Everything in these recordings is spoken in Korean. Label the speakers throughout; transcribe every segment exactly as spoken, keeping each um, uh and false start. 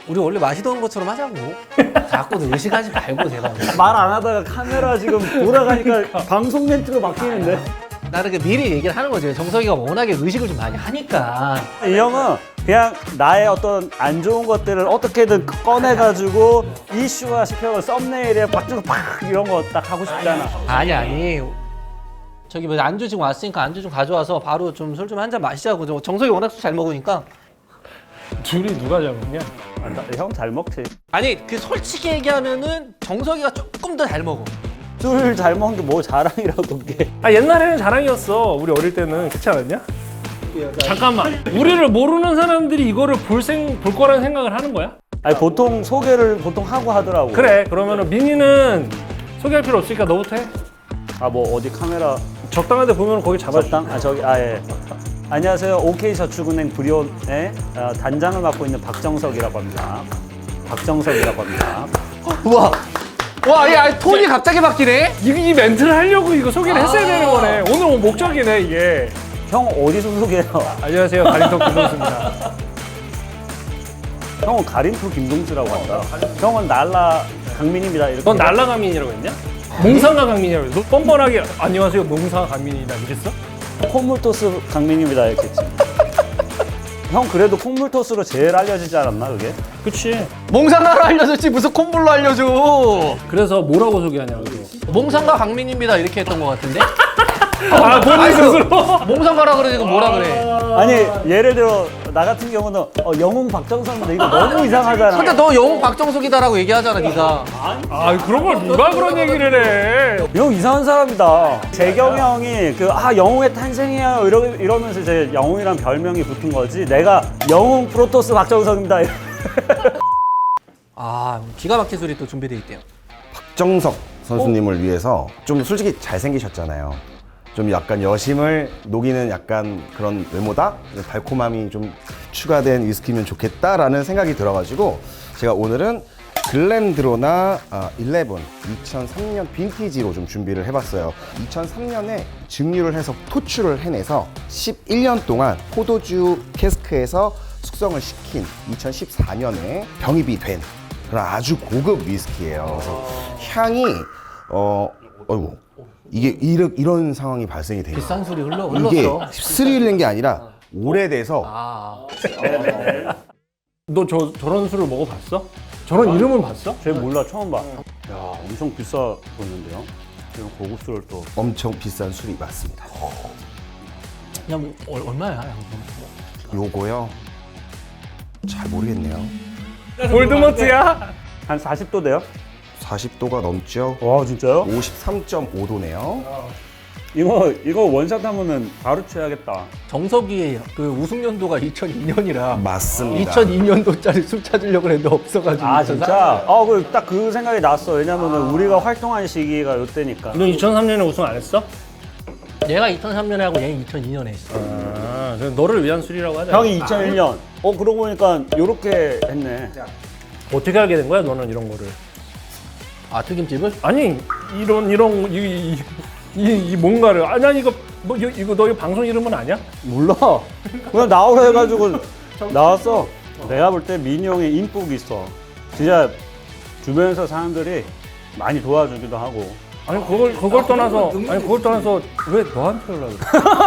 Speaker 1: 우리 원래 마시던 것처럼 하자고. 자꾸 의식하지 말고 제발.
Speaker 2: 말 안 하다가 카메라 지금 돌아가니까 방송 멘트로 바뀌는데.
Speaker 1: 나는 그 미리 얘기를 하는 거지. 정석이가 워낙에 의식을 좀 많이 하니까.
Speaker 2: 이 형은 그냥 나의 어떤 안 좋은 것들을 어떻게든 꺼내가지고 이슈화 시켜서 썸네일에 박주고 팍 이런 거 딱 하고 싶잖아.
Speaker 1: 아니 아니. 저기 뭐 안주 지금 왔으니까 안주 좀 가져와서 바로 좀 술 좀 한 잔 마시자고. 저 정석이 워낙 술 잘 먹으니까.
Speaker 3: 둘이 누가 잘 먹냐?
Speaker 2: 형 잘 먹지.
Speaker 1: 아니 그 솔직히 얘기하면은 정석이가 조금 더 잘 먹어.
Speaker 2: 술 잘 먹는 게 뭐 자랑이라고 그게.
Speaker 3: 아 옛날에는 자랑이었어. 우리 어릴 때는 그렇지 않았냐? 잠깐만. 우리를 모르는 사람들이 이거를 볼, 생, 볼 거라는 생각을 하는 거야?
Speaker 2: 아니 보통 소개를 보통 하고 하더라고.
Speaker 3: 그래. 그러면은 민이는 소개할 필요 없으니까 너부터 해.
Speaker 2: 아 뭐 어디 카메라
Speaker 3: 적당한 데 보면 거기 잡아줘.
Speaker 2: 적당? 아 저기 아 예. 안녕하세요. 오케이저축은행 브리온의 어, 단장을 맡고 있는 박정석이라고 합니다. 박정석이라고 합니다.
Speaker 1: 우와. 와, 야, 톤이 갑자기 바뀌네?
Speaker 3: 이, 이 멘트를 하려고 이거 소개를 했어야 되는 거네. 오늘 뭐 목적이네 이게.
Speaker 2: 형 어디서 소개해요?
Speaker 3: 안녕하세요. 가림석 김동수입니다.
Speaker 2: 형은 가림프 김동수라고 한다. 형은 날라 강민입니다. 이렇게.
Speaker 3: 넌 날라 강민이라고 했냐? 몽상가 강민이라고 했어. 너 뻔뻔하게 안녕하세요. 몽상가 강민이다 이랬어?
Speaker 2: 콧물토스 강민입니다 이렇게 했지. 형 그래도 콧물토스로 제일 알려지지 않았나 그게?
Speaker 3: 그치.
Speaker 1: 몽상가로 알려줬지 무슨 콧물로 알려줘.
Speaker 3: 그래서 뭐라고 소개하냐고.
Speaker 1: 몽상가 강민입니다 이렇게 했던 것 같은데?
Speaker 3: 아 본인 스스로?
Speaker 1: 몽상가라 그러지 그 뭐라 그래?
Speaker 2: 아니 예를 들어 나 같은 경우는 어, 영웅 박정석인데 이거 너무 이상하잖아.
Speaker 1: 근데 너 영웅 박정석이다라고 얘기하잖아 네가.
Speaker 3: 아 그런 걸 누가 그런 얘기를 해.
Speaker 2: 형 이상한 사람이다. 재경 형이 그 아 영웅의 탄생이에요 이러, 이러면서 이제 영웅이란 별명이 붙은 거지. 내가 영웅 프로토스 박정석입니다.
Speaker 1: 아 기가 막힌 소리 또 준비돼 있대요.
Speaker 4: 박정석 선수님을 위해서 좀 솔직히 잘생기셨잖아요. 좀 약간 여심을 녹이는 약간 그런 외모다? 달콤함이 좀 추가된 위스키면 좋겠다라는 생각이 들어가지고 제가 오늘은 글렌드로나 아, 십일 이천삼 년 빈티지로 좀 준비를 해봤어요. 이천삼 년에 증류를 해서 토출을 해내서 십일 년 동안 포도주 캐스크에서 숙성을 시킨 이천십사 년에 병입이 된 그런 아주 고급 위스키예요. 그래서 향이 어 어이구 이게 이런 이런 상황이 발생이 돼요.
Speaker 1: 비싼 소리 흘러
Speaker 4: 이게
Speaker 1: 흘렀어.
Speaker 4: 스릴인 게 아니라 오래돼서
Speaker 1: 아
Speaker 3: 너 저 저런 술을 먹어봤어? 저런 이름은 봤어?
Speaker 2: 쟤 몰라 처음 봐. 야 엄청 비싸 보이는데요. 이런 고급술을 또.
Speaker 4: 엄청 비싼 술이 맞습니다.
Speaker 1: 야 뭐, 얼- 얼마야 양금?
Speaker 4: 요거요 잘 모르겠네요.
Speaker 3: 볼드모트야?
Speaker 2: 한 사십 도 돼요?
Speaker 4: 사십 도가 넘죠.
Speaker 2: 와 진짜요?
Speaker 4: 오십삼 점 오 도네요.
Speaker 2: 이거 이거 원샷 하면은 바로 취하겠다.
Speaker 1: 정석이의 그 우승 연도가 이천이 년이라
Speaker 4: 맞습니다.
Speaker 1: 이천이 년도짜리 술 찾으려고 했는데 없어가지고
Speaker 2: 아
Speaker 1: 이천삼
Speaker 2: 진짜? 어, 그 딱 그 생각이 났어. 왜냐면은 우리가 활동한 시기가 요때니까.
Speaker 3: 너 이천삼 년에 우승 안 했어?
Speaker 1: 얘가 이천삼 년에 하고 얘는 이천이 년에 했어.
Speaker 3: 아, 그럼 너를 위한 술이라고 하자.
Speaker 2: 형이 이천일 년. 어 그러고 보니까 요렇게 했네.
Speaker 3: 어떻게 알게 된 거야, 너는 이런 거를?
Speaker 1: 아 튀김집을?
Speaker 3: 아니 이런 이런 이, 이, 이, 이 뭔가를 아니 아니 이거 뭐 이거, 이거 너 이거 방송 이름은 아니야?
Speaker 2: 몰라. 그냥 나오라 해가지고 나왔어. 내가 볼 때 민이 형이 인복이 있어. 진짜 주변에서 사람들이 많이 도와주기도 하고.
Speaker 3: 아니 그걸 그걸 떠나서 아니 그걸 떠나서 왜 너한테 연락을?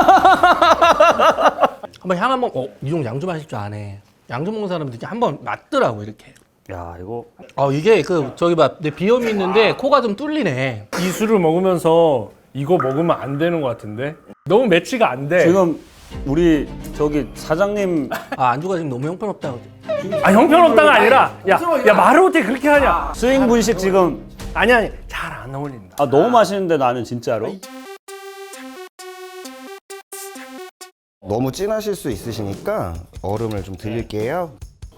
Speaker 1: 한번 향 한번 어 이종 양주 마실 줄 아네. 양주 먹는 사람들이 한번 맞더라고 이렇게.
Speaker 2: 야 이거
Speaker 1: 아 이게 그 저기 봐내 비염이 있는데 코가 좀 뚫리네.
Speaker 3: 이 술을 먹으면서 이거 먹으면 안 되는 것 같은데 너무 매치가 안 돼.
Speaker 2: 지금 우리 저기 사장님
Speaker 1: 아 안주가 지금 너무 형편없다.
Speaker 3: 아 형편없다가 아니라 야야 말을 어떻게 그렇게 하냐?
Speaker 2: 스윙 분식 지금
Speaker 3: 아니 아니 잘 안 어울린다.
Speaker 2: 아 너무 맛있는데 나는 진짜로.
Speaker 4: 너무 진하실 수 있으시니까 얼음을 좀 드릴게요.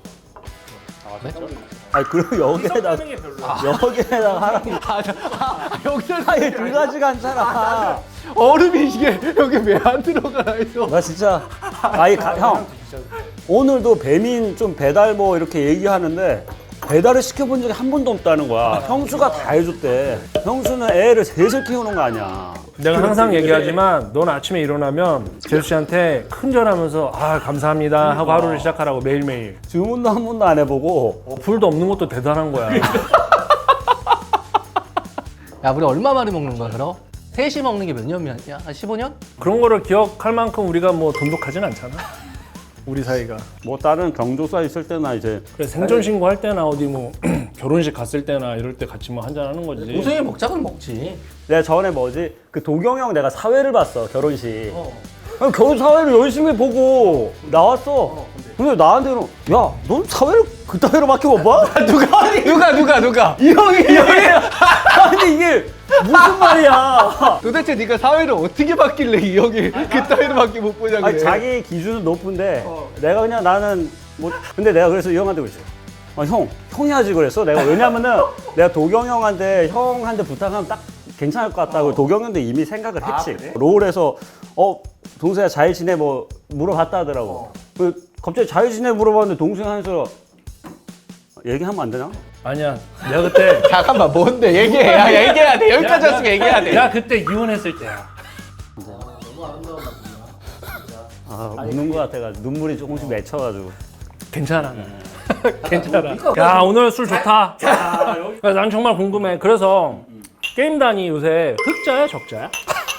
Speaker 2: 아니 그리고 여기에다 여기에다가 하라고.
Speaker 1: 아, 저, 아 여기서
Speaker 2: 아니 두 가지가 않잖아.
Speaker 1: 얼음이 이게 여기 왜 안 들어가 있어?
Speaker 2: 나 진짜 아니 가, 형 오늘도 배민 좀 배달 뭐 이렇게 얘기하는데 배달을 시켜본 적이 한 번도 없다는 거야. 형수가 다 해줬대. 형수는 애를 셋을 키우는 거 아니야.
Speaker 3: 내가 항상 얘기하지만 넌 아침에 일어나면 재수 씨한테 큰절하면서 아 감사합니다 하고 하루를 시작하라고 매일매일.
Speaker 2: 주문도 한 번도 안 해보고
Speaker 3: 어, 불도 없는 것도 대단한 거야.
Speaker 1: 야 우리 얼마 만에 먹는 거야 그럼? 셋이 먹는 게 몇 년이야? 한 십오 년?
Speaker 3: 그런 거를 기억할 만큼 우리가 뭐 돈독하진 않잖아. 우리 사이가.
Speaker 2: 뭐 다른 경조사 있을 때나 이제
Speaker 3: 그래 생존 신고할 때나 어디 뭐 결혼식 갔을 때나 이럴 때 같이 뭐 한잔 하는 거지.
Speaker 1: 동생이 먹자면 먹지.
Speaker 2: 내가 전에 뭐지 그 도경형 내가 사회를 봤어 결혼식. 아니, 결혼 사회를 열심히 보고 나왔어. 근데 나한테는 야, 넌 사회를 그따위로밖에 못 봐?
Speaker 1: 누가 누가 누가 누가?
Speaker 2: 이 형이 이 형이 아니 이게 무슨 말이야?
Speaker 1: 도대체 네가 사회를 어떻게 바뀔래 이 형이 그따위로밖에 못 보냐 그래.
Speaker 2: 아니 자기 기준은 높은데 내가 그냥 나는 뭐 근데 내가 그래서 이 형한테 그랬어. 아, 형, 형이 하지 그랬어. 내가 왜냐면은 내가 도경 형한테 형한테 부탁하면 딱 괜찮을 것 같다고 도경 형도 이미 생각을 했지. 롤에서 어 동생아 잘 지내 뭐 물어봤다 하더라고. 그 갑자기 잘 지내 물어봤는데 동생 하면서 얘기하면 안 되나?
Speaker 3: 아니야. 내가 그때
Speaker 1: 잠깐만 뭔데 얘기해. 야, 얘기해야 돼. 여기까지 왔으면 얘기해야 돼.
Speaker 3: 내가 그때 이혼했을 때야.
Speaker 2: 아 우는 것 같아가지고 눈물이 조금씩 맺혀가지고.
Speaker 3: 괜찮아. 괜찮아. 야 오늘 술 좋다. 야, 난 정말 궁금해. 그래서 게임단이 요새 흑자야 적자야?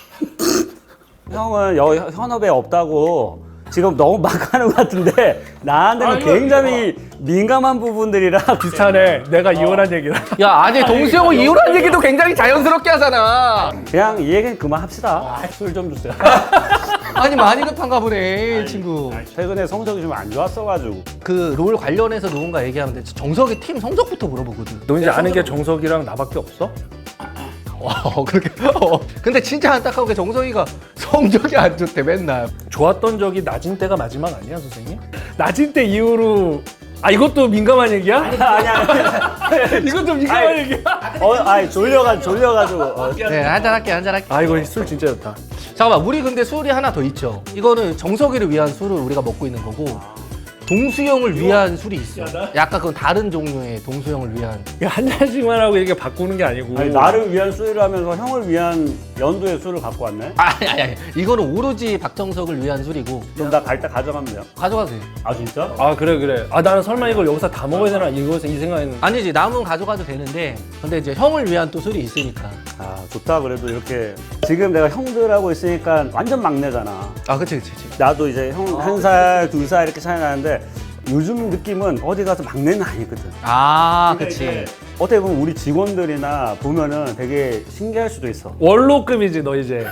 Speaker 2: 형은 여, 현업에 없다고 지금 너무 막 하는 것 같은데 나한테는
Speaker 3: 아니, 이거-
Speaker 2: 굉장히 민감한 부분들이라
Speaker 3: 비슷하네. 내가 이혼한 얘기라.
Speaker 1: 야 아니 동수형은 이혼한 얘기도 굉장히 자연스럽게 하잖아.
Speaker 2: 그냥 이 얘기는 그만합시다. 술 좀 주세요.
Speaker 1: 아니 많이 급한가 보네 친구.
Speaker 2: 최근에 성적이 좀 안 좋았어가지고
Speaker 1: 그 롤 관련해서 누군가 얘기하면 돼. 정석이 팀 성적부터 물어보거든.
Speaker 3: 너 이제 아는 게 정석이랑 나밖에 없어?
Speaker 1: 어 그렇게. 어. 근데 진짜 안타까운 게 정석이가 성적이 안 좋대 맨날.
Speaker 3: 좋았던 적이 낮은 때가 마지막 아니야 선생님? 낮은 때 이후로 아 이것도 민감한 얘기야?
Speaker 2: 아니야.
Speaker 3: 이것도 민감한
Speaker 2: 아니,
Speaker 3: 얘기야?
Speaker 2: 어, 아니 졸려가 졸려가지고. 어.
Speaker 1: 네 한잔 할게 한잔 할게.
Speaker 3: 아 이거 술 진짜 좋다.
Speaker 1: 잠깐만 우리 근데 술이 하나 더 있죠. 이거는 정석이를 위한 술을 우리가 먹고 있는 거고 동수형을 위한 술이 있어. 약간 그건 다른 종류의 동수형을 위한.
Speaker 3: 이거 한 잔씩만 하고 이렇게 바꾸는 게 아니고
Speaker 2: 아니 나를 위한 술을 하면서 형을 위한 연두의 술을 갖고 왔네.
Speaker 1: 아니 아니 아니 이거는 오로지 박정석을 위한 술이고.
Speaker 2: 그럼 나 갈 때 가져가면 돼요.
Speaker 1: 가져가도 돼.
Speaker 2: 아 진짜?
Speaker 3: 아 그래 그래 아 나는 설마 이걸 여기서 다 먹어야 되나 이거에서 이 생각했는데
Speaker 1: 아니지 남은 가져가도 되는데 근데 이제 형을 위한 또 술이 있으니까.
Speaker 2: 아 좋다. 그래도 이렇게 지금 내가 형들하고 있으니까 완전 막내잖아.
Speaker 1: 아 그치 그치 그치.
Speaker 2: 나도 이제 형 한 살, 두 살 이렇게 차이 나는데 요즘 느낌은 어디 가서 막내는 아니거든.
Speaker 1: 아 그치.
Speaker 2: 어떻게 보면 우리 직원들이나 보면은 되게 신기할 수도 있어.
Speaker 3: 원로급이지 너 이제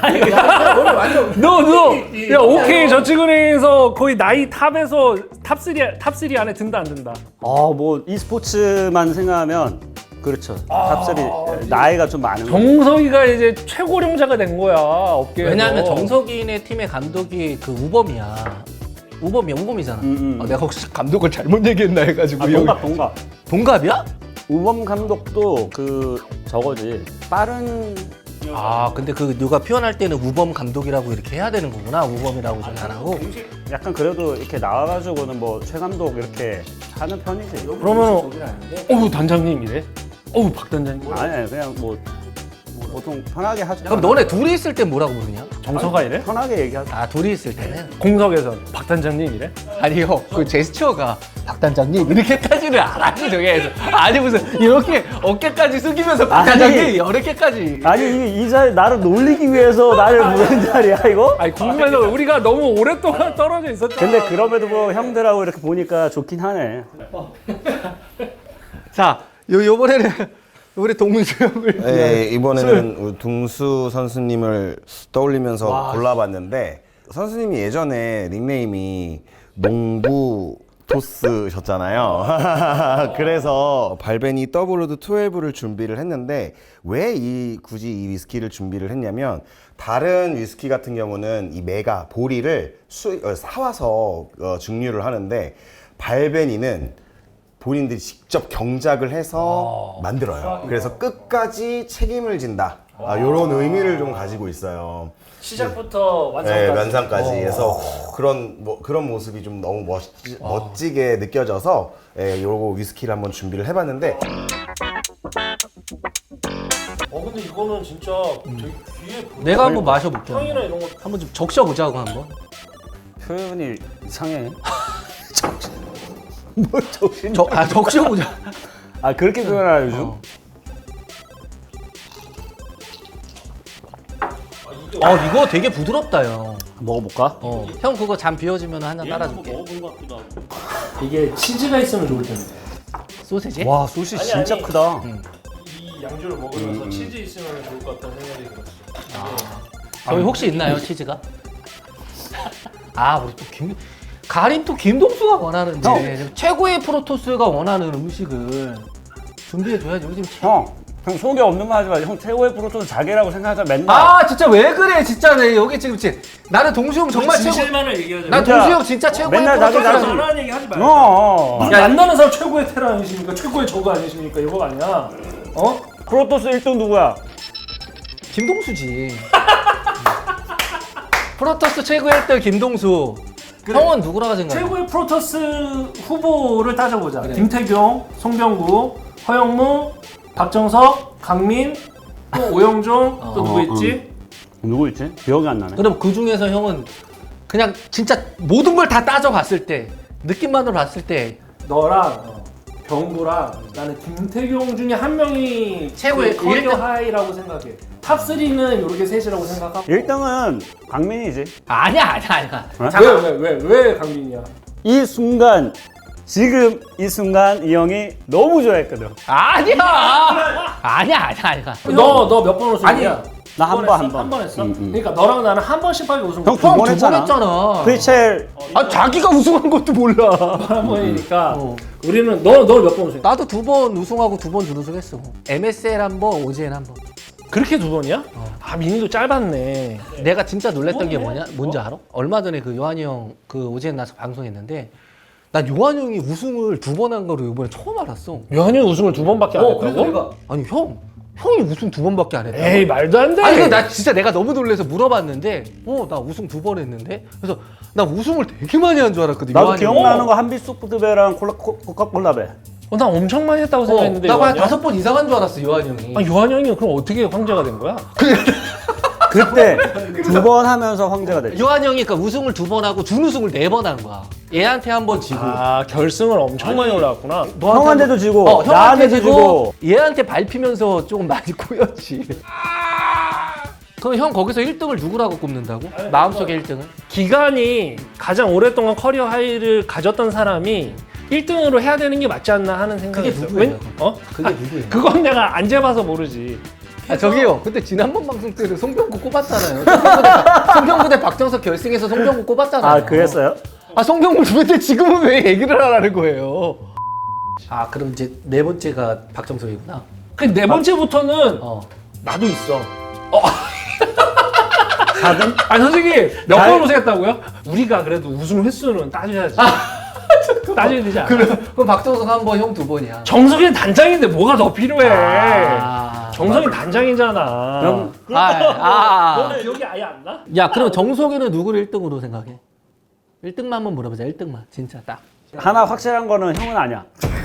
Speaker 3: 너너야 오케이 저축은행에서 거의 나이 탑에서 탑삼 탑삼 안에 든다 안 든다
Speaker 2: 아, 뭐 e스포츠만 생각하면 그렇죠. 탑삼 나이가 좀 많은 거.
Speaker 3: 정석이가 이제 최고령자가 된 거야 업계에서.
Speaker 1: 왜냐하면 정석이네 팀의 감독이 그 우범이야. 우범이 우범이잖아.
Speaker 2: 음, 음.
Speaker 1: 아, 내가 혹시 감독을 잘못 얘기했나 해가지고.
Speaker 2: 아,
Speaker 1: 여기-
Speaker 2: 동갑 동갑.
Speaker 1: 동갑이야?
Speaker 2: 우범 감독도 그 저거지. 빠른
Speaker 1: 아 근데 그 누가 표현할 때는 우범 감독이라고 이렇게 해야 되는 거구나. 우범이라고 좀 안 하고.
Speaker 2: 약간 그래도 이렇게 나와가지고는 뭐 최 감독 이렇게 하는 편이지.
Speaker 3: 그러면 어우 단장님이래 어우 박 단장님
Speaker 2: 아니 아니 그냥 뭐 보통 편하게 하죠.
Speaker 1: 그럼 너네 둘이 있을 땐 뭐라고 부르냐?
Speaker 3: 정서가 이래?
Speaker 2: 편하게 얘기하죠.
Speaker 1: 아 둘이 있을 때는?
Speaker 3: 공석에선 박 단장님이래?
Speaker 1: 아니요 그 제스처가 박 단장님 이렇게까지는 안 하지 저게에서 아니 무슨 이렇게 어깨까지 숙이면서 박
Speaker 2: 아니.
Speaker 1: 단장님 이렇게까지.
Speaker 2: 아니 이, 이 자리 나를 놀리기 위해서 나를 부른 자리야 이거?
Speaker 3: 아니 궁금해서 우리가 너무 오랫동안 떨어져 있었잖아.
Speaker 2: 근데 그럼에도 뭐 형들하고 이렇게 보니까 좋긴 하네.
Speaker 1: 자 요, 요번에는 우리 동수형을
Speaker 4: 네, 이번에는 우리 둥수 선수님을 떠올리면서 골라봤는데 선수님이 예전에 닉네임이 농부 토스셨잖아요. 그래서 발베니 더블로드 십이를 준비를 했는데 왜 이 굳이 이 위스키를 준비를 했냐면 다른 위스키 같은 경우는 이 메가 보리를 수, 어, 사와서 어, 증류를 하는데 발베니는 본인들이 직접 경작을 해서 만들어요. 그래서 끝까지 책임을 진다. 아, 이런 의미를 좀 가지고 있어요.
Speaker 3: 시작부터 완성까지.
Speaker 4: 네, 완성까지. 그래서 그런 뭐 그런 모습이 좀 너무 멋지, 멋지게 느껴져서 예, 요거 위스키를 한번 준비를 해봤는데
Speaker 3: 어 근데 이거는 진짜 되게 귀에 보여.
Speaker 1: 내가 한번 마셔볼게.
Speaker 3: 향이나 이런 거.
Speaker 1: 한번 좀 적셔보자고 한번.
Speaker 2: 표현이 이상해. 뭘 정신?
Speaker 1: 적, 아 적셔보자.
Speaker 2: 아 그렇게 표현하나 요즘?
Speaker 1: 어. 어 이거 되게 부드럽다 형.
Speaker 2: 먹어볼까?
Speaker 1: 어. 형 그거 잠 비워지면 한 잔 따라줄게.
Speaker 3: 먹어본 것 같기도 하고. 이게 치즈가 있으면 좋을 텐데.
Speaker 1: 소세지?
Speaker 2: 와 소시
Speaker 3: 아니,
Speaker 2: 진짜
Speaker 3: 아니.
Speaker 2: 크다.
Speaker 1: 응.
Speaker 3: 이 양주를 먹으면서 치즈 있으면 좋을 것 같다는 생각이 들었어.
Speaker 1: 저희 혹시 있나요 치즈가? 아 우리 또 김. 가림 또 김동수가 원하는데 최고의 프로토스가 원하는 음식을 준비해줘야지. 우리 지금 최...
Speaker 2: 형, 형 속에 없는 말 하지 마. 형 최고의 프로토스 자기라고 생각하자 맨날.
Speaker 1: 아 진짜 왜 그래 진짜 내 여기 지금 지 나는 동수형 정말 최고.
Speaker 3: 진실만을 얘기하자.
Speaker 1: 난
Speaker 2: 진짜
Speaker 1: 동수형 진짜 최고의
Speaker 2: 맨날 나도
Speaker 1: 프로토스라는.
Speaker 2: 나도-
Speaker 3: 전화하는 얘기 하지 말고.
Speaker 2: 어.
Speaker 3: 야, 만나는 사람 최고의 테라 아니십니까? 최고의 저거 아니십니까? 이거 아니야? 어?
Speaker 2: 프로토스 일 등 누구야?
Speaker 1: 김동수지. 프로토스 최고 일 등 김동수. 형은 누구라고 생각해?
Speaker 3: 최고의 프로토스 후보를 따져보자. 김태경, 송병구, 허영무, 박정석, 강민, 또 오영종, 또 누구
Speaker 2: 어,
Speaker 3: 있지?
Speaker 2: 누구 있지? 기억이 안 나네.
Speaker 1: 그럼 그 중에서 형은 그냥 진짜 모든 걸 다 따져봤을 때 느낌만으로 봤을 때
Speaker 3: 너랑 병구랑 나는 김태경 중에 한 명이
Speaker 1: 최고의
Speaker 3: 그 커리어
Speaker 1: 일 등?
Speaker 3: 하이라고 생각해. 탑 쓰리는 요렇게 셋이라고 생각하고.
Speaker 2: 일 등은 강민이지.
Speaker 1: 아니야 아니야 아니야.
Speaker 2: 어?
Speaker 1: 잠깐.
Speaker 3: 왜 왜 왜 왜 강민이야?
Speaker 2: 이 순간 지금 이 순간 이 형이 너무 좋아했거든.
Speaker 1: 아니야. 아니야 아니야 아니야.
Speaker 3: 너 너 몇 번 우승이야?
Speaker 1: 아니,
Speaker 2: 나 한 번, 한 번.
Speaker 3: 한 번 했어?
Speaker 2: 응, 응.
Speaker 3: 그러니까 너랑 나는 한 번씩밖에 우승
Speaker 2: 형
Speaker 3: 못
Speaker 2: 두
Speaker 3: 했어.
Speaker 2: 번
Speaker 1: 두번
Speaker 2: 했잖아.
Speaker 1: 했잖아.
Speaker 2: 프리첼
Speaker 1: 아 자기가 우승한 것도 몰라.
Speaker 3: 한 번이니까
Speaker 1: 어.
Speaker 3: 우리는 너 너 몇 번 우승?
Speaker 1: 나도 두 번 우승하고 두 번 준우승했어. 엠에스엘 한 번, 오지엔 한 번.
Speaker 3: 그렇게 두 번이야? 아 민희도 짧았네.
Speaker 1: 내가 진짜 놀랬던 게 뭐냐? 뭔지 알아? 얼마 전에 그 요한이 형 그 오지엔 나서 방송했는데 난 요한이 형이 우승을 두 번 한 거를 이번에 처음 알았어.
Speaker 3: 요한이 우승을 두 번밖에 안 했다고?
Speaker 1: 아니 형, 형이 우승 두 번밖에 안 했다고?
Speaker 3: 에이 말도 안 돼.
Speaker 1: 아니 근데 나 진짜 내가 너무 놀래서 물어봤는데 어 나 우승 두 번 했는데 그래서 나 우승을 되게 많이 한 줄 알았거든.
Speaker 2: 나도
Speaker 1: 요한이 형.
Speaker 2: 기억나는 거 한빛 소프트배랑 콜라 코- 코카콜라배.
Speaker 3: 어, 나 엄청 많이 했다고
Speaker 1: 어,
Speaker 3: 생각했는데.
Speaker 1: 나한
Speaker 3: 요한이 형?
Speaker 1: 다섯 번 이상 한 줄 알았어 요한이 형이.
Speaker 3: 아 요한이 형이 그럼 어떻게 황제가 된 거야?
Speaker 2: 그때 두 번 하면서 황제가 됐지.
Speaker 1: 요한이 형이 그러니까 우승을 두 번 하고 준우승을 네 번 한 거야. 얘한테 한 번 지고.
Speaker 3: 아 결승을 엄청 많이 올라왔구나.
Speaker 2: 형한테도 지고
Speaker 1: 어,
Speaker 2: 나한테
Speaker 1: 형한테
Speaker 2: 지고.
Speaker 1: 지고 얘한테 밟히면서 조금 많이 꼬였지. 그럼 형 거기서 일 등을 누구라고 꼽는다고? 마음속에 일 등을?
Speaker 3: 기간이 가장 오랫동안 커리어 하이를 가졌던 사람이 일 등으로 해야 되는 게 맞지 않나 하는 생각이
Speaker 1: 그게
Speaker 3: 들어요.
Speaker 1: 누구예요?
Speaker 3: 웬- 어?
Speaker 1: 그게 누구예요?
Speaker 3: 그건 내가 안 재봐서 모르지.
Speaker 1: 아 저기요. 그때 지난번 방송 때는 송병구 꼽았잖아요. 송병구 대, 송병구 대 박정석 결승에서 송병구 꼽았잖아요.
Speaker 2: 아 그랬어요?
Speaker 1: 아 송병구 주변에 지금은 왜 얘기를 하라는 거예요? 아 그럼 이제 네 번째가 박정석이구나.
Speaker 3: 그 네 번째부터는
Speaker 1: 어.
Speaker 3: 나도 있어.
Speaker 2: 사 등?
Speaker 3: 아니 솔직히 몇
Speaker 2: 잘-
Speaker 3: 번 우승했다고요? 우리가 그래도 우승 횟수는 따져야지. 따져야 되지 않아?
Speaker 1: 그럼 그럼 박정석 한 번, 형 두 번이야.
Speaker 3: 정석이 단장인데 뭐가 더 필요해?
Speaker 1: 아,
Speaker 3: 정석이 단장이잖아.
Speaker 2: 형
Speaker 1: 아, 아, 아.
Speaker 3: 너는 기억이 아예 안 나?
Speaker 1: 야 그럼 정석이는 누구를 일 등으로 생각해? 일 등만 한번 물어보자. 일 등만 진짜 딱.
Speaker 2: 하나 확실한 거는 형은 아니야.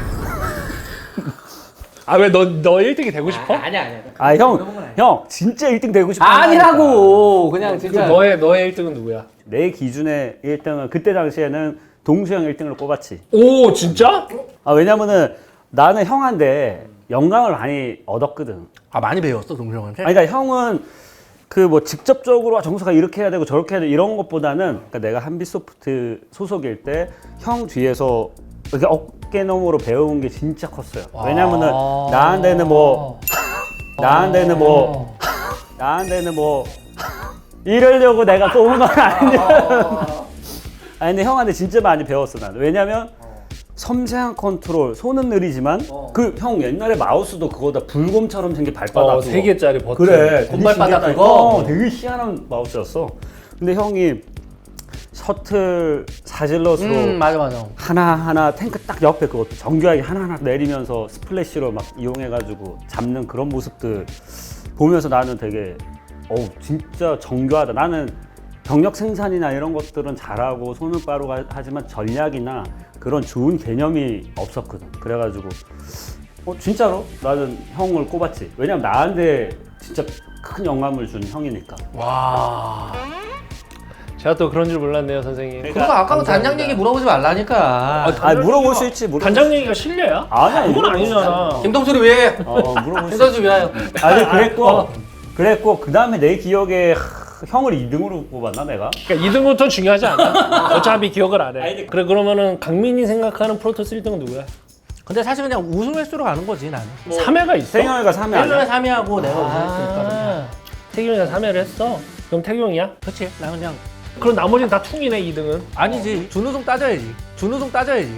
Speaker 3: 아 왜 너 너 일 등이 되고 싶어?
Speaker 1: 아니야 아니야.
Speaker 2: 아 형, 형 진짜 일 등 되고 싶어.
Speaker 1: 아니라고 그냥
Speaker 3: 그
Speaker 1: 진짜.
Speaker 3: 너의 너의 일 등은 누구야?
Speaker 2: 내 기준의 일 등은 그때 당시에는 동수 형 일 등으로 꼽았지.
Speaker 3: 오 진짜?
Speaker 2: 아 왜냐면은 나는 형한테 영감을 많이 얻었거든.
Speaker 1: 아 많이 배웠어 동수 형한테?
Speaker 2: 아니 그러니까 형은 그 뭐 직접적으로 아, 정수가 이렇게 해야 되고 저렇게 해야 돼 이런 것보다는 그러니까 내가 한빛소프트 소속일 때 형 뒤에서 이렇게 어깨너머로 배운 게 진짜 컸어요. 왜냐면은
Speaker 1: 아.
Speaker 2: 나한테는 뭐 나한테는 뭐 나한테는 뭐 이러려고 내가 꼽은 건 아니야. 아니 근데 형한테 진짜 많이 배웠어 나는. 왜냐면 섬세한 컨트롤, 손은 느리지만 그 형 옛날에 마우스도 그거다 불곰처럼 생긴 발바닥
Speaker 3: 어,
Speaker 2: 그거.
Speaker 3: 세 개짜리 버튼.
Speaker 2: 그래
Speaker 1: 곰발바닥
Speaker 2: 되게 신기하다.
Speaker 1: 그거?
Speaker 2: 어, 되게 희한한 마우스였어. 근데 형이 셔틀 사질럿으로
Speaker 1: 음 맞아 맞아.
Speaker 2: 하나하나 탱크 딱 옆에 그것도 정교하게 하나하나 내리면서 스플래시로 막 이용해가지고 잡는 그런 모습들 보면서 나는 되게 어우 진짜 정교하다. 나는 병력 생산이나 이런 것들은 잘하고 손은 빠르고 하- 하지만 전략이나 그런 좋은 개념이 없었거든. 그래가지고 어 진짜로 나는 형을 꼽았지. 왜냐면 나한테 진짜 큰 영감을 준 형이니까.
Speaker 3: 와. 제가 또 그런 줄 몰랐네요, 선생님.
Speaker 1: 그래서 아까도 단장 얘기 물어보지 말라니까.
Speaker 2: 아 물어볼 수 있지. 물어볼
Speaker 3: 단장 얘기가 실례야?
Speaker 2: 아니야,
Speaker 3: 그건
Speaker 2: 물어볼 수
Speaker 3: 아니잖아.
Speaker 1: 김동수를 왜?
Speaker 2: 어 물어볼 수
Speaker 1: 김동수 왜 와요?
Speaker 2: 아니 그랬고 그랬고 그 다음에 내 기억에 하, 형을 이 등으로 뽑았나 내가?
Speaker 3: 그러니까 이 등부터 중요하지 않아. 어차피 기억을 안 해. 그래 그러면은 강민이 생각하는 프로토스 일 등은 누구야?
Speaker 1: 근데 사실 그냥 우승 횟수로 가는 거지 나는.
Speaker 3: 삼 회가 있어?
Speaker 2: 세경이가 삼 회
Speaker 1: 일 년에
Speaker 2: 아니야?
Speaker 1: 삼 위하고 내가 우승 횟수니까.
Speaker 3: 아, 태경이가 삼 회를 했어? 그럼 태경이야?
Speaker 1: 그렇지. 나 그냥
Speaker 3: 그럼 나머지는 다 퉁이네 이 등은.
Speaker 1: 아니지. 준우승 따져야지. 준우승 따져야지.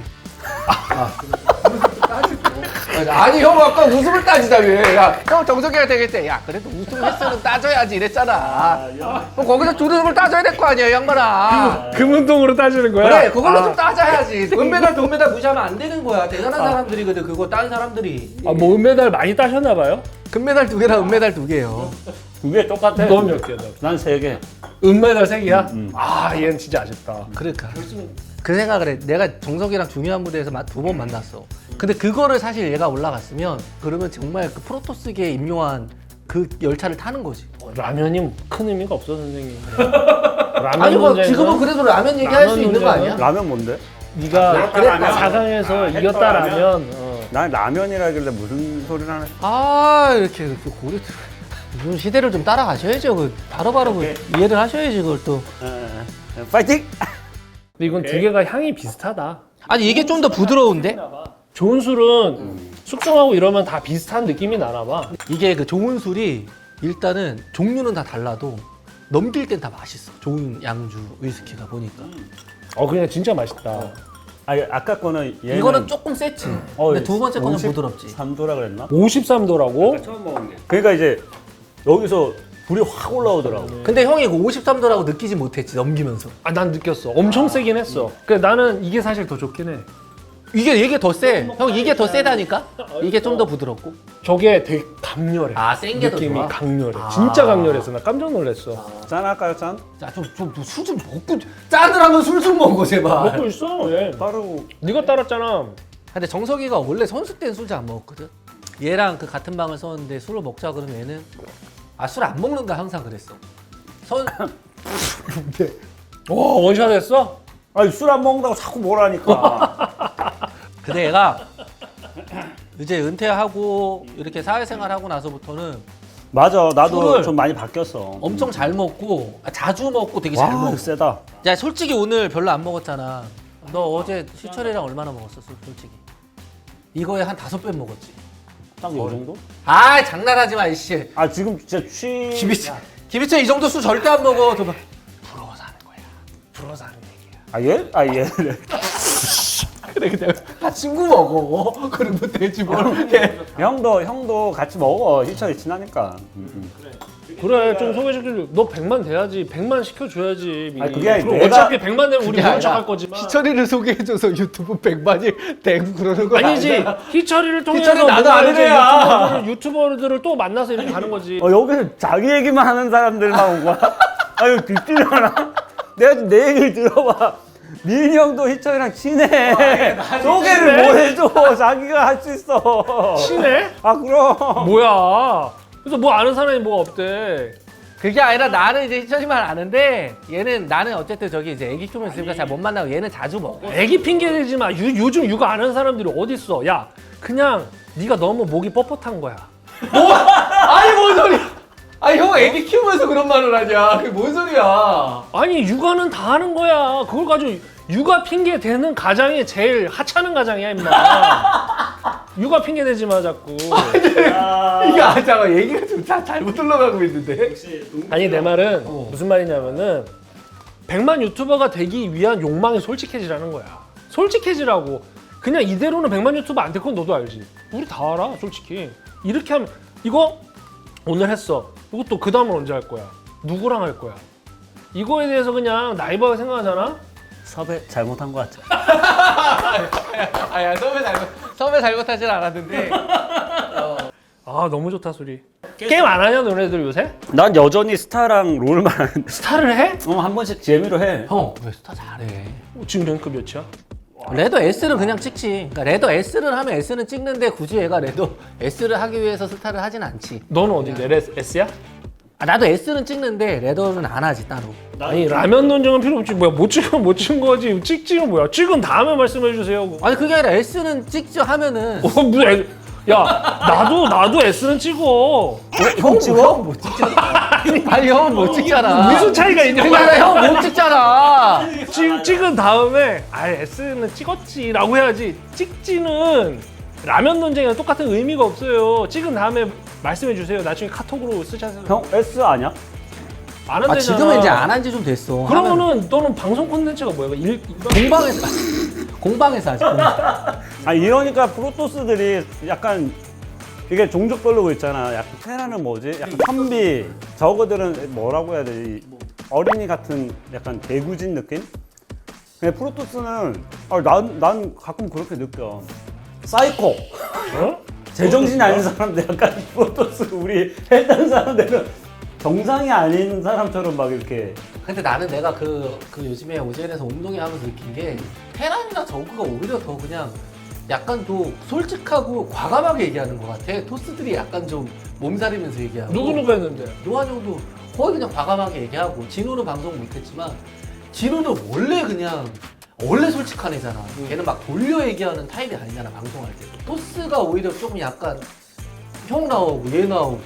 Speaker 1: 아니 형 아까 웃음을 따지다며. 야, 형 정석이가 되겠대. 야 그래도 우승 횟수는 따져야지 이랬잖아. 그럼 거기서 준우승을 따져야 될 거 아니야 이 양반아.
Speaker 3: 금운동으로 따지는 거야?
Speaker 1: 그래 그걸로
Speaker 3: 아.
Speaker 1: 좀 따져야지. 은메달 동메달 무시하면 안 되는 거야. 대단한 사람들이거든 그거 딴 사람들이.
Speaker 3: 아, 뭐 은메달 많이 따셨나 봐요?
Speaker 1: 금메달 두 개랑 은메달 두 개요.
Speaker 2: 두 개 똑같아.
Speaker 3: 넌 몇 개야? 너?
Speaker 2: 난 세 개.
Speaker 3: 은메달 세 개야?
Speaker 2: 음, 음.
Speaker 3: 아, 얘는 진짜 아쉽다.
Speaker 1: 그러니까 그 생각을 해. 내가 정석이랑 중요한 무대에서 두 번 만났어. 근데 그거를 사실 얘가 올라갔으면 그러면 정말 그 프로토스계에 임용한 그 열차를 타는 거지.
Speaker 3: 라면이 큰 의미가 없어, 선생님. 라면
Speaker 1: 아니 뭐
Speaker 3: 문제는
Speaker 1: 지금은 그래도 라면 얘기할 수
Speaker 3: 라면
Speaker 1: 있는 거
Speaker 3: 문제는
Speaker 1: 아니야?
Speaker 2: 라면 뭔데?
Speaker 3: 네가
Speaker 2: 그랬다.
Speaker 3: 사 강에서
Speaker 2: 아,
Speaker 3: 이겼다라면 어.
Speaker 2: 난 라면이라길래 무슨 소리를 하나?
Speaker 1: 아 이렇게 이렇게 고려 요즘 시대를 좀 따라가셔야죠. 그 바로바로 그 이해를 하셔야지 그걸 또.
Speaker 2: 에, 에, 에, 파이팅!
Speaker 3: 근데 이건 두 개가 향이 비슷하다.
Speaker 1: 아니 이게 좀 더 부드러운데?
Speaker 3: 좋은 술은 숙성하고 이러면 다 비슷한 느낌이 나나 봐.
Speaker 1: 이게 그 좋은 술이 일단은 종류는 다 달라도 넘길 땐 다 맛있어. 좋은 양주 위스키가 보니까.
Speaker 3: 어, 그냥 진짜 맛있다.
Speaker 2: 아니 아까 거는 얘는
Speaker 1: 이거는 조금 세지.
Speaker 2: 어,
Speaker 1: 근데 두 번째 거는
Speaker 2: 오십
Speaker 1: 부드럽지.
Speaker 2: 삼 도라 그랬나?
Speaker 3: 오십삼 도라고?
Speaker 2: 그러니까 이제 여기서 불이 확 올라오더라고.
Speaker 1: 근데 형이 이거 오십삼 도라고 느끼지 못했지 넘기면서.
Speaker 3: 아, 난 느꼈어. 엄청 세긴 했어. 그래, 나는 이게 사실 더 좋긴 해.
Speaker 1: 이게 이게 더 세. 형 이게 더 세다니까? 이게 좀 더 부드럽고.
Speaker 3: 저게 되게 강렬해.
Speaker 1: 아, 센 게 더
Speaker 3: 느낌이
Speaker 1: 좋아?
Speaker 3: 강렬해.
Speaker 1: 아.
Speaker 3: 진짜 강렬해서 나 깜짝 놀랐어.
Speaker 2: 짠 할까요 짠?
Speaker 1: 자좀좀술 좀 먹고 짠을 하면 술 좀 먹어 제발.
Speaker 3: 먹고 있어. 얘.
Speaker 2: 따르고
Speaker 3: 네가 따랐잖아.
Speaker 1: 근데 정석이가 원래 선수 때는 술 잘 안 먹었거든. 얘랑 그 같은 방을 썼는데 술을 먹자 그러면 얘는 아 술 안 먹는다 항상 그랬어. 선
Speaker 3: 와, 원샷 했어?
Speaker 2: 아니 술 안 먹는다고 자꾸 뭐라니까.
Speaker 1: 근데 얘가 이제 은퇴하고 이렇게 사회생활 하고 나서부터는
Speaker 2: 맞아 나도
Speaker 1: 술을
Speaker 2: 좀 많이 바뀌었어.
Speaker 1: 엄청 잘 먹고 아, 자주 먹고 되게 잘
Speaker 2: 와
Speaker 1: 먹어.
Speaker 2: 이거 세다.
Speaker 1: 야 솔직히 오늘 별로 안 먹었잖아. 너 어제 희철이랑 얼마나 먹었어 술 솔직히? 이거에 한 다섯 배 먹었지.
Speaker 2: 딱 이 정도?
Speaker 1: 아 장난하지 마 이씨.
Speaker 2: 아 지금 진짜 취.
Speaker 1: 김희철 김희철 이 정도 술 절대 안 먹어. 저 봐. 부러워서 하는 거야. 부러워서 하는 얘기야.
Speaker 2: 아 얘? 아 얘.
Speaker 1: 그래 근데 아 친구 먹어. 그러면 되지 뭘. 해.
Speaker 2: 형도 형도 같이 먹어. 희철이 친하니까. 음, 음.
Speaker 3: 그래, 좀 소개시켜줘. 너 백만 돼야지. 백만 시켜줘야지. 미리.
Speaker 2: 아니, 그게 아니,
Speaker 3: 그럼
Speaker 2: 내가-
Speaker 3: 어차피 백만 되면 우리
Speaker 1: 그게
Speaker 3: 모른 척할
Speaker 1: 아니라
Speaker 3: 거지만.
Speaker 1: 희철이를 소개해줘서 유튜브 백만이 되고 그러는 거
Speaker 3: 아니지.
Speaker 1: 아니야?
Speaker 3: 희철이를 통해서
Speaker 1: 희철이 나도
Speaker 3: 뭔가
Speaker 1: 아는
Speaker 3: 이제
Speaker 1: 애야.
Speaker 3: 유튜버들을, 유튜버들을 또 만나서 이렇게 가는 거지.
Speaker 2: 어 여기서 자기 얘기만 하는 사람들만 온 거야? 아 이거 빗질려나? 내가 좀 내 얘기를 들어봐. 민이 형도 희철이랑 친해. 소개를 뭐 해줘. 자기가 할 수 있어.
Speaker 3: 친해?
Speaker 2: 아 그럼.
Speaker 3: 뭐야. 그래서 뭐 아는 사람이 뭐가 없대.
Speaker 1: 그게 아니라 나는 이제 희철이만 아는데 얘는 나는 어쨌든 저기 이제 애기 키우면 있으니까 잘 못 만나고 얘는 자주 먹어.
Speaker 3: 애기 핑계 대지 마. 유, 요즘 육아 아는 사람들이 어딨어. 야, 그냥 네가 너무 목이 뻣뻣한 거야.
Speaker 1: 아니 뭔 소리야? 아니 형 애기 키우면서 그런 말을 하냐? 그게 뭔 소리야?
Speaker 3: 아니 육아는 다 하는 거야. 그걸 가지고 육아 핑계 대는 가장이 제일 하찮은 가장이야 임마. 육아 핑계 대지 마 자꾸.
Speaker 1: 이게 아 잠깐 얘기가 좀 자, 잘못 흘러가고 있는데.
Speaker 3: 아니 내 말은 무슨 말이냐면은 백만 유튜버가 되기 위한 욕망이 솔직해지라는 거야. 솔직해지라고. 그냥 이대로는 백만 유튜버 안 될 건 너도 알지. 우리 다 알아 솔직히. 이렇게 하면 이거 오늘 했어. 이것도 그 다음은 언제 할 거야? 누구랑 할 거야? 이거에 대해서 그냥 나이버가 생각하잖아?
Speaker 2: 섭외 잘못한 거 같아.
Speaker 1: 아야 선배 잘못 선배 잘못하진 않았는데.
Speaker 3: 아 너무 좋다 소리. 게임 안 하냐 너네들 요새?
Speaker 2: 난 여전히 스타랑 롤만 하는데.
Speaker 3: 스타를 해?
Speaker 2: 어, 한 번씩 재미로 해.
Speaker 1: 형 왜 스타 잘해?
Speaker 3: 어, 지금 랭크 몇이야?
Speaker 1: 레더 S를 그냥 찍지. 그러니까 레더 S를 하면 S는 찍는데 굳이 얘가 레더 S를 하기 위해서 스타를 하진 않지.
Speaker 3: 너는 어딘데? 레- S야?
Speaker 1: 아, 나도 S는 찍는데 레더는 안 하지 따로.
Speaker 3: 아니 라면 논쟁은 필요 없지. 뭐야 못 찍으면 못 찍은 거지. 찍지는 뭐야? 찍은 다음에 말씀해 주세요.
Speaker 1: 아니 그게 아니라 S는 찍죠 하면은
Speaker 3: 어 무슨 애- 야 나도 나도 S는 찍어.
Speaker 1: 형 찍어? 못 찍잖아. 아니 형은 못 찍잖아.
Speaker 3: 무슨 차이가 있냐?
Speaker 1: 그게 아니라 형 못 찍잖아.
Speaker 3: 찍, 찍은 다음에 아 S는 찍었지라고 해야지. 찍지는 라면 논쟁이랑 똑같은 의미가 없어요. 찍은 다음에 말씀해 주세요. 나중에 카톡으로 쓰자세요.
Speaker 2: 형 S 아니야?
Speaker 3: 안
Speaker 1: 아
Speaker 3: 한대잖아.
Speaker 1: 지금은 이제 안 한 지 좀 됐어. 하면
Speaker 3: 그러면은 너는 방송 콘텐츠가 뭐야? 일,
Speaker 1: 공방에서 공방에서 하지. 공방.
Speaker 2: 아 이러니까 프로토스들이 약간 이게 종족별로 있잖아. 약간 테라는 뭐지? 약간 선비. 저거들은 뭐라고 해야 되지? 어린이 같은 약간 대구진 느낌? 근데 프로토스는 아, 난, 난 가끔 그렇게 느껴. 사이코.
Speaker 3: 어?
Speaker 2: 제정신이 아닌 사람들 약간 프로토스 우리 했던 사람들은 정상이 아닌 사람처럼 막 이렇게
Speaker 1: 근데 나는 내가 그, 그 요즘에 오젠에서 운동회 하면서 느낀 게 테란이나 저그가 오히려 더 그냥 약간 더 솔직하고 과감하게 얘기하는 것 같아. 토스들이 약간 좀 몸살이면서 얘기하고.
Speaker 3: 누구 누구 했는데?
Speaker 1: 노한 형도 거의 그냥 과감하게 얘기하고. 진호는 방송 못했지만 진호는 원래 그냥 원래 솔직한 애잖아. 걔는 막 돌려 얘기하는 타입이 아니잖아 방송할 때. 토스가 오히려 조금 약간 형 나오고 얘 나오고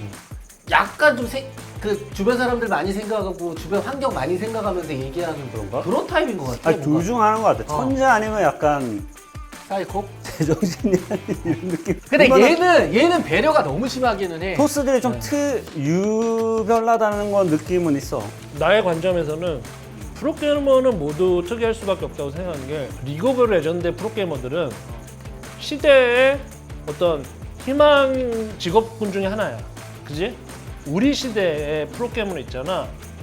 Speaker 1: 약간 좀 그 주변 사람들 많이 생각하고 주변 환경 많이 생각하면서 얘기하는
Speaker 2: 그런가?
Speaker 1: 그런 타입인 것 같아.
Speaker 2: 아니 둘 중 하는 것 같아.
Speaker 1: 어.
Speaker 2: 천재 아니면 약간
Speaker 1: 사이코.
Speaker 2: 제정신이 아닌 이런 느낌.
Speaker 1: 근데
Speaker 2: 이거는
Speaker 1: 얘는 얘는 배려가 너무 심하기는 해.
Speaker 2: 토스들이 좀
Speaker 1: 네.
Speaker 2: 트 유별나다는 건 느낌은 있어.
Speaker 3: 나의 관점에서는 프로게이머는 모두 특이할 수밖에 없다고 생각하는 게 리그 오브 레전드의 프로게이머들은 시대의 어떤 희망 직업군 중에 하나야. 그지? 우리 시대의 프로게이머는 있잖아.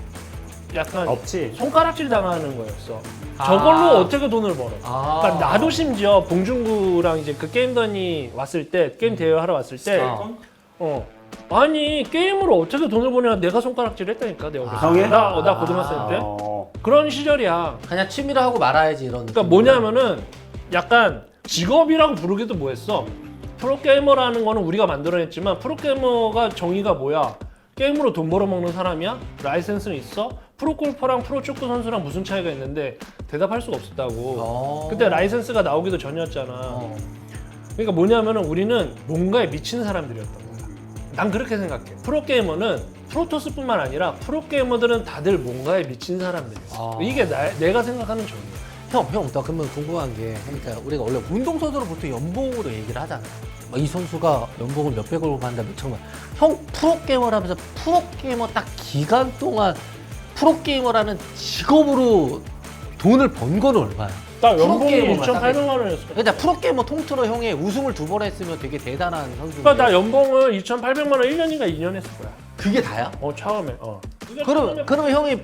Speaker 3: 약간
Speaker 2: 없지.
Speaker 3: 손가락질 당하는 거였어.
Speaker 1: 아.
Speaker 3: 저걸로 어떻게 돈을 벌어?
Speaker 1: 아.
Speaker 3: 그러니까 나도 심지어 봉준구랑 이제 그 게임던이 왔을 때 게임 대회 하러 왔을 때
Speaker 1: 어.
Speaker 3: 어. 아니 게임으로 어떻게 돈을 버냐 내가 손가락질 했다니까 내가
Speaker 1: 아.
Speaker 2: 형이?
Speaker 3: 나, 어, 나 고등학생 때
Speaker 2: 어.
Speaker 3: 그런 시절이야.
Speaker 1: 그냥 취미로 하고 말아야지 이런.
Speaker 3: 그러니까 뭐냐면은 약간 직업이라고 부르기도 뭐했어. 프로게이머라는 거는 우리가 만들어냈지만 프로게이머가 정의가 뭐야? 게임으로 돈 벌어먹는 사람이야? 라이센스는 있어? 프로골퍼랑 프로축구 선수랑 무슨 차이가 있는데 대답할 수가 없었다고.
Speaker 1: 어.
Speaker 3: 그때 라이센스가 나오기도 전이었잖아.
Speaker 1: 어.
Speaker 3: 그러니까 뭐냐면은 우리는 뭔가에 미친 사람들이었던 거야. 난 그렇게 생각해. 프로게이머는 프로토스뿐만 아니라 프로게이머들은 다들 뭔가에 미친 사람들이야.
Speaker 1: 아.
Speaker 3: 이게 나, 내가 생각하는 정의야.
Speaker 1: 형, 형, 나 그러면 궁금한 게, 그러니까 우리가 원래 운동선수로 보통 연봉으로 얘기를 하잖아. 막 이 선수가 연봉을 몇백억을 받는다, 몇천만. 형, 프로게이머라면서 프로게이머 딱 기간 동안 프로게이머라는 직업으로 돈을 번 거는 얼마야?
Speaker 3: 나 연봉이
Speaker 1: 프로게이머만
Speaker 3: 이천팔백만 원이었어.
Speaker 1: 그러니까 프로게이머 통틀어 형이 우승을 두 번 했으면 되게 대단한 선수인데.
Speaker 3: 그러니까 나 연봉을 이천팔백만 원 일 년인가 이 년 했을 거야.
Speaker 1: 그게 다야?
Speaker 3: 어 처음에. 어.
Speaker 1: 그럼, 그러면 형이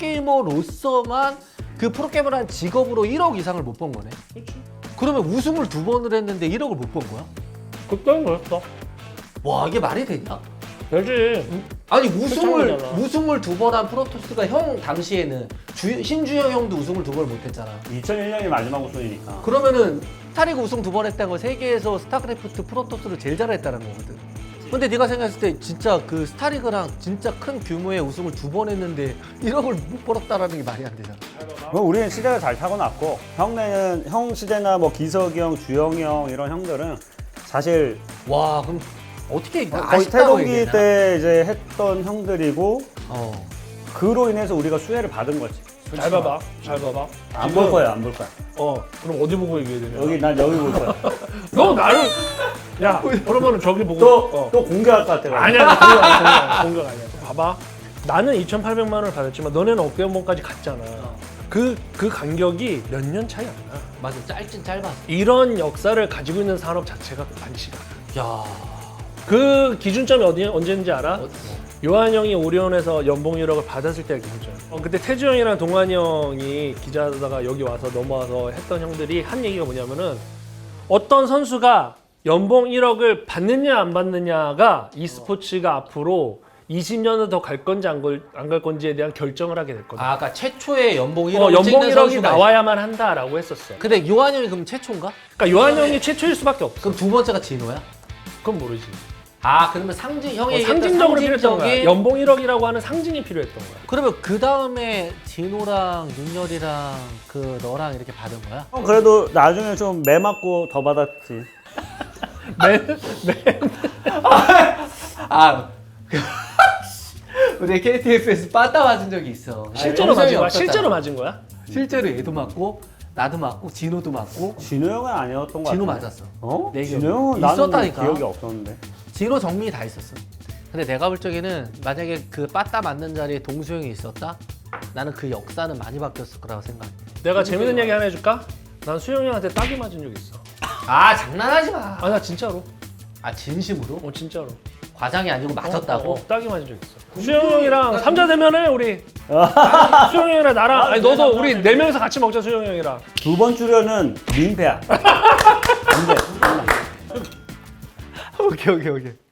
Speaker 1: 프로게이머로서만 그 프로게이머라는 직업으로 일억 이상을 못 번 거네?
Speaker 3: 그렇지.
Speaker 1: 그러면 우승을 두 번을 했는데 일억을 못 번 거야?
Speaker 3: 그때는 그랬어.
Speaker 1: 와, 이게 말이 되냐?
Speaker 3: 되지.
Speaker 1: 아니 우승을
Speaker 3: 그렇잖아.
Speaker 1: 우승을 두 번 한 프로토스가 형 당시에는 주, 신주영 형도 우승을 두 번 못했잖아.
Speaker 2: 이천일 년이 마지막 우승이니까.
Speaker 1: 그러면은 스타리그 우승 두 번 했다는 건 세계에서 스타크래프트 프로토스를 제일 잘했다는 거거든. 근데 네가 생각했을 때 진짜 그 스타리그랑 진짜 큰 규모의 우승을 두 번 했는데 일억을 못 벌었다라는 게 말이 안 되잖아.
Speaker 2: 그럼 우리는 시대가 잘 타고났고 형네는 형 시대나 뭐 기석이 형, 주영이 형 이런 형들은 사실
Speaker 1: 와, 그럼 어떻게
Speaker 2: 거의
Speaker 1: 아쉽다고
Speaker 2: 태동기
Speaker 1: 얘기해야
Speaker 2: 때 이제 했던 형들이고
Speaker 1: 어.
Speaker 2: 그로 인해서 우리가 수혜를 받은 거지.
Speaker 3: 잘 봐봐. 잘 봐봐.
Speaker 2: 안 볼 거야, 안 볼 거야.
Speaker 3: 어. 그럼 어디 보고 얘기해야 되냐?
Speaker 2: 여기 난 여기 볼 거야.
Speaker 3: 너 나를. 야. 그러면은 저기 보고.
Speaker 2: 또
Speaker 3: 어.
Speaker 2: 또 공개할 것 같아.
Speaker 3: 아니야. 나 공격 아니야. 공격 아니야. 봐봐. 나는 이천팔백만 원을 받았지만 너네는 어깨 연봉까지 갔잖아. 그, 그 간격이 몇 년 차이 안 나.
Speaker 1: 맞아, 짧진 짧았어.
Speaker 3: 이런 역사를 가지고 있는 산업 자체가 반시가.
Speaker 1: 야,
Speaker 3: 그 기준점이 어디 언제인지 알아?
Speaker 1: 어,
Speaker 3: 요한 형이 오리온에서 연봉 일억을 받았을 때가 기준점. 어, 그때 태주 형이랑 동환이 형이 기자하다가 여기 와서 넘어와서 했던 형들이 한 얘기가 뭐냐면은 어떤 선수가 연봉 일억을 받느냐 안 받느냐가 e스포츠가 앞으로 이십 년을 더 갈 건지 안 갈 건지에 대한 결정을 하게 됐거든.
Speaker 1: 아, 아까 최초의 연봉 일억
Speaker 3: 어, 연봉 일억이 나와야만 한다라고 했었어.
Speaker 1: 근데 요한형이 그럼 최초인가?
Speaker 3: 그러니까 요한형이 최초일 수밖에 없어.
Speaker 1: 그럼 두 번째가 진호야?
Speaker 3: 그건 모르지.
Speaker 1: 아, 그러면 상징 형이
Speaker 3: 어,
Speaker 1: 얘기했던
Speaker 3: 상징적으로 필요했던 거야.
Speaker 1: 상징적인-
Speaker 3: 연봉 일억이라고 하는 상징이 필요했던 거야.
Speaker 1: 그러면 그 다음에 진호랑 윤열이랑 그 너랑 이렇게 받은 거야?
Speaker 2: 형 그래도 나중에 좀 매 맞고 더 받았지.
Speaker 3: 매, 매.
Speaker 1: 아, 우리 케이티에프에서 빠따 맞은 적이 있어.
Speaker 3: 실제로
Speaker 1: 영상이
Speaker 3: 맞은 거야?
Speaker 1: 없었잖아.
Speaker 3: 실제로 맞은 거야?
Speaker 1: 실제로 얘도 맞고 나도 맞고 진호도 맞고
Speaker 2: 진호 형은 아니었던 거 같아.
Speaker 1: 진호 맞았어.
Speaker 2: 어?
Speaker 1: 내
Speaker 2: 진호
Speaker 1: 기억에.
Speaker 2: 형은 나는
Speaker 1: 있었다니까.
Speaker 2: 기억이 없었는데.
Speaker 1: 진호 정민이 다 있었어. 근데 내가 볼 적에는 만약에 그 빠따 맞는 자리에 동수형이 있었다? 나는 그 역사는 많이 바뀌었을 거라고 생각해.
Speaker 3: 내가 재밌는 얘기 하나 해줄까? 난 수영이 형한테 딱이 맞은 적 있어.
Speaker 1: 아, 장난하지 마.
Speaker 3: 아 나 진짜로.
Speaker 1: 아, 진심으로?
Speaker 3: 어 진짜로.
Speaker 1: 과장이 아니고 맞았다고?
Speaker 3: 어, 어, 딱이 맞은 적 있어. 수영이 형이랑 삼자 대면해 우리. 수영이 형이랑 나랑 아니 너도 우리 네 명이서 같이 먹자 수영이 형이랑.
Speaker 2: 두 번 출연은 민폐야. 안 돼.
Speaker 1: 오케이, 오케이, 오케이.